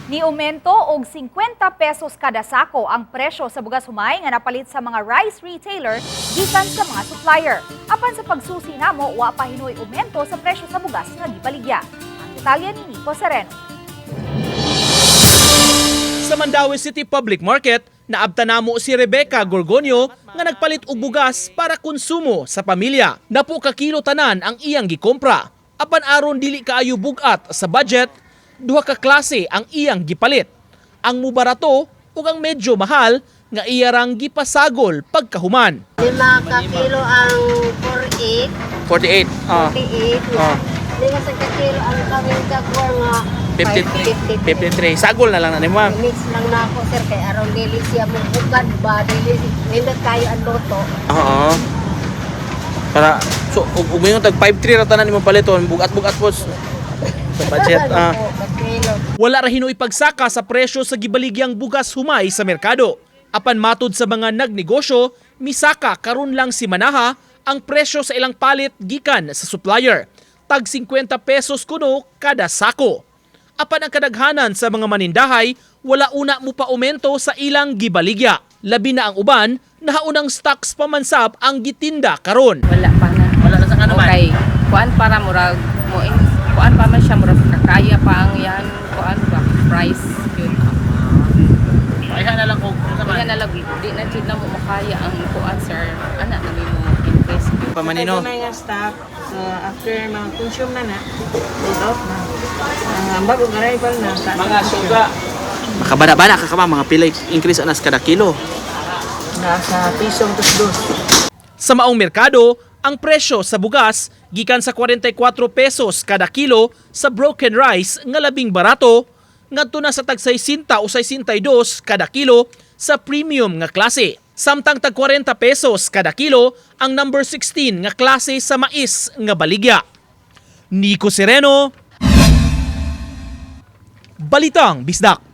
Ni aumento og 50 pesos kada sako ang presyo sa bugas humay nga napalit sa mga rice retailer gikan sa mga supplier. Apan sa pagsusi namo wa pa hinoy aumento sa presyo sa bugas nga gibaligya. Ang detalye ni Nico Sereno. Sa Mandaue City Public Market, naabta namo si Rebecca Gorgonio nga nagpalit og bugas para konsumo sa pamilya. Napo ka kilo tanan ang iyang gikompra. Apan aron dili kaayo bugat sa budget, duha ka klase ang iyang gipalit. Ang mubarato ug ang medyo mahal nga iya rang gipasagol pagkahuman. 5 ka kilo ang 48. 48. Lima sa ka kilo ang kaming kagwar nga 53. Sagol na lang na ni ma'am. Mix lang na ako sir kay aron dili siya mo bukad ba dili nindot kayo ang loto. Oo. Para so ug yung tag 53 ra tanan nimo paliton bugat-bugat po sa budget. Wala ra hinoy pagsaka sa presyo sa gibaligyang bugas humay sa merkado. Apan matud sa mga nagnegosyo, misaka karon lang si Manaha ang presyo sa ilang palit gikan sa supplier. Tag 50 pesos kuno kada sako. Apan ang kadaghanan sa mga manindahay, wala una mo pa aumento sa ilang gibaligya. Labi na ang uban, nahaunang stocks pamansap ang gitinda karon. Wala pa na. Wala na sa ano man. Okay. Kuan para murag mo kuan pa man siya murag kakaya pa ang yan kuan ba price yun. Kaya na lang kung Kaya na lang di na jud na mo makaya ang kuan sir. Ana na mo increase. pamanino. May nga stock. So after mga consume na load out na. Ang bagong arrival na. Mga suga. Makabana-bana ka ka mga pilay increase anas kada kilo. Nasa pisong tusdos. Sa maong merkado, ang presyo sa bugas gikan sa 44 pesos kada kilo sa broken rice nga labing barato ngadto na sa tag 60 o 62 kada kilo sa premium nga klase. Samtang tag 40 pesos kada kilo ang number 16 nga klase sa mais nga baligya. Nico Sereno, Balitang Bisdak.